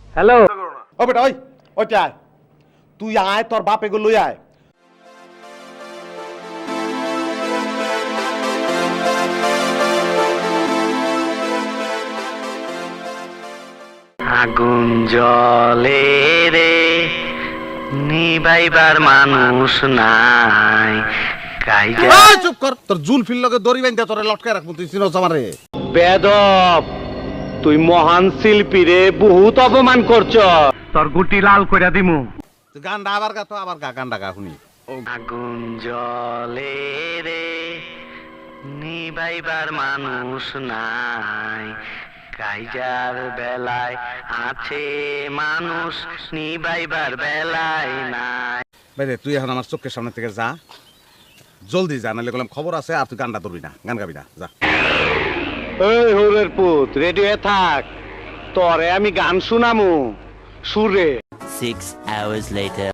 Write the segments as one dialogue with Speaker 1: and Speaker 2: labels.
Speaker 1: Hello
Speaker 2: ও বেটা ওই ওইটা আয়, তুই আয়, তোর বাপ এগুলো লই আয়।
Speaker 1: আগুন জলে রে নিবাইবার মানুষ নাই কাইজা
Speaker 2: এই চুপ কর, তোর জুলফির লগে দড়ি বাইন্ধা তোরে লটকায় রাখবো, তুই চিনোস আমারে?
Speaker 1: বেদব, তুই মহান শিল্পী রে, বহুত অপমান করছ। তোর গুটি লাল কইরা দিমু।
Speaker 2: তুই গানটা আবার গা, তো আবার গা, গানটা গা শুনি।
Speaker 1: আগুন জলে রে নিবাইবার মানুষ নাই কাইজার বেলায় আছে মানুষ নিবাইবার বেলায় নাই।
Speaker 2: বাইরে তুই এখন আমার চোখের সামনে থেকে যা, জলদি যা, নাহলে বললাম খবর আছে, আর তুই গানটা ধরবি না, গান গাবি না, যা।
Speaker 1: এই হরের পুত, রেডি হয়ে থাক, তরে আমি গান শুনামু সুরে।
Speaker 3: 6 hours later.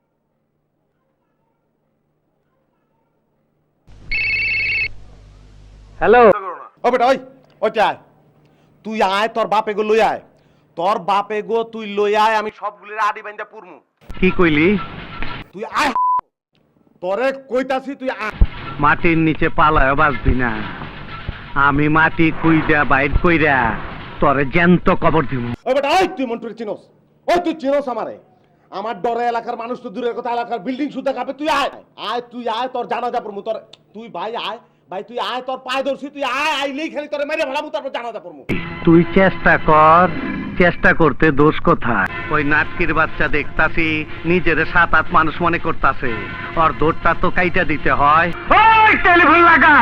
Speaker 1: হ্যালো
Speaker 2: ও বেটা ওই ওইটা আয়, তুই আয়, তোর বাপ এগো লই আয়, তোর বাপ এগো তুই লই আয়, আমি সবগুলির আডি বাইন্ধা পুরমু।
Speaker 1: কি কইলি?
Speaker 2: তুই আয়, তোরে কইতাছি তুই আয়।
Speaker 1: মাটির নিচে পালায় বাঁচবি না, আমি মাটি কুইরা বাইর কইরা তরে জ্যান্ত কবর দিব।
Speaker 2: ও বেটা ওই, তুই মন্টুরে চিনোস? ওই তুই চিনোস আমারে? আমার ডরে এলাকার মানুষ তো দূরের কথা, এলাকার বিল্ডিং সুদ্ধা কাঁপে। তুই আয় আয়, তুই আয়, তোর জানাজা পড়মু। তোর তুই ভাই আয়, ভাই তুই আয়, তোর পায়ে ধরছি, তুই আয়, আইলেই খালি তোরে মেরে ফেলামু, তারপর জানাজা পড়মু।
Speaker 1: তুই চেষ্টা কর, চেষ্টা করতে দোষ কোথায়? ওই নাটকির বাচ্চা দেখতাছি নিজের 7-8 মানুষ মনে করতাছে, ওর দৌড়টা তো কাইটা দিতে হয়। ওই টেলিফোন লাগা।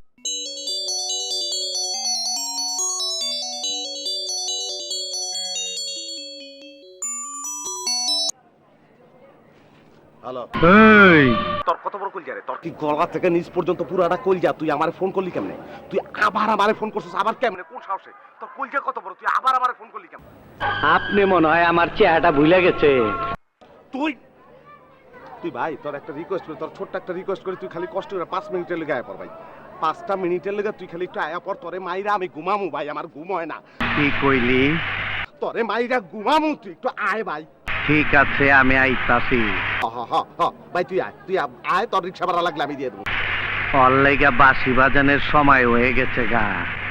Speaker 2: হ্যালো,
Speaker 1: এই
Speaker 2: তোর কত বড় কলজা রে? তোর কি গলা থেকে নিচ পর্যন্ত পুরাটা কলজা? তুই আমারে ফোন করলি কেমনে? তুই আবার আমারে ফোন করছিস, আবার কেমনে? কোন সাহসে? তোর কলজা কত বড়? তুই আবার আমারে ফোন করলি কেমনে?
Speaker 1: আপনি মনে হয় আমার চেহারাটা ভুলে গেছে।
Speaker 2: তুই তুই ভাই, তোর একটা রিকোয়েস্ট করি, তোর ছোট্ট একটা রিকোয়েস্ট করি, তুই খালি কষ্ট করে 5 মিনিটের লেগে আয় পর ভাই। 5টা মিনিটের লেগে তুই খালি একটু আয়া পর, তোরে মাইরা আমি ঘুমামু ভাই, আমার ঘুম হয় না।
Speaker 1: কি কইলি?
Speaker 2: তোরে মাইরা ঘুমামু, তুই একটু আয় ভাই।
Speaker 1: ঠিক আছে, আমি আইতাছি।
Speaker 2: ভাই তুই আয়, তুই আয়, তোর রিক্সা ভাড়া লাগলে আমি দিয়ে দেবো।
Speaker 1: অল্লাইগা বাঁশি বাজানের সময় হয়ে গেছে গা।